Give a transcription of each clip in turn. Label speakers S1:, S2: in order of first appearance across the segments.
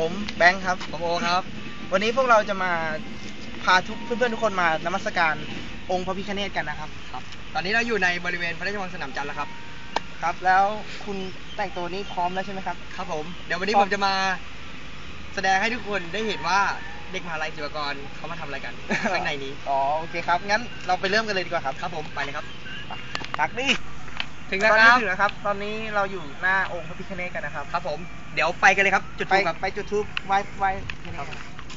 S1: ผมแบงค์ครับ
S2: ผมโอครับ
S1: วันนี้พวกเราจะมาพาเพื่อนๆทุกคนมานมัสการองค์พระพิฆเนศกันนะครับ
S2: ครับตอนนี้เราอยู่ในบริเวณพระราชวังสนามจันทร์แล้วครับ
S1: ครับแล้วคุณแต่งตัวนี้พร้อมแล้วใช่ไหมครับ
S2: ครับผมเดี๋ยววันนี้ผมจะมาแสดงให้ทุกคนได้เห็นว่าเด็กมหาลัยศิลปากรเขามาทำอะไรกันข้างในนี้
S1: อ๋อโอเคครับงั้นเราไปเริ่มกันเลยดีกว่าครับ
S2: ครับผมไปเลยครับ
S1: ตักดิ
S2: ถึงแล้วครับ
S1: ถึงแล้วครับตอนนี้เราอยู่หน้าองค์พระพิฆเนศกันนะครับ
S2: ครับผมเดี๋ยวไปกันเลยครับจุดธูปครับ
S1: ไปจุดธูปไหว้ครับ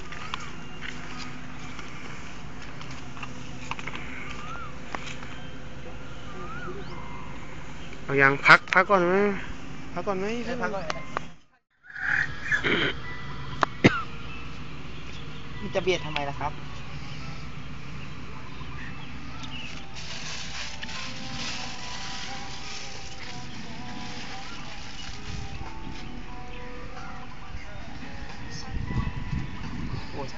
S3: เอายังพักก่อนไหมพักก่อนไหม
S1: พักก่อนนี่จะเบียดทำไมล่ะครับโอ้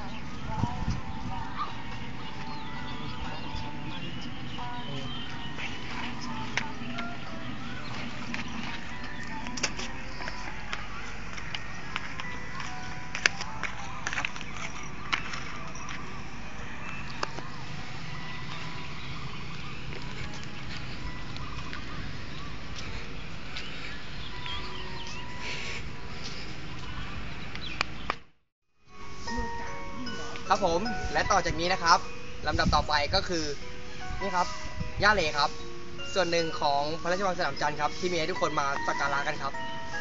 S2: ครับผมและต่อจากนี้นะครับลำดับต่อไปก็คือนี่ครับย่าเหลครับส่วนหนึ่งของพระราชวังสนามจันทร์ครับที่มีให้ทุกคนมาสักการะกันครับ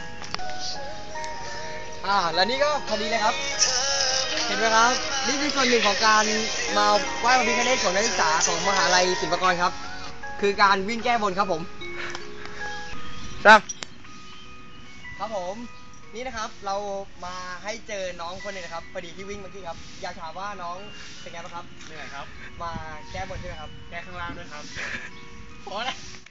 S2: แล้วนี่ก็พอดีเลยครับเห็นไหมครับนี่คือส่วนหนึ่งของการมาไหว้พระพิฆเนศของนักศึกษาของมหาลัยศิลปากรครับคือการวิ่งแก้บนครับผม
S3: จ้า
S2: ครับผมนี่นะครับเรามาให้เจอน้องคนหนึงนะครับพอดีที่วิ่งเมื่อกี้ครับอยากถามว่าน้องเป็นไงบ้างครับ
S4: เหนื่อยครับ
S2: มาแก้บนใช่ไหมครับ
S4: แก้ข้างล่างด้วยครับ
S2: พอแล้ว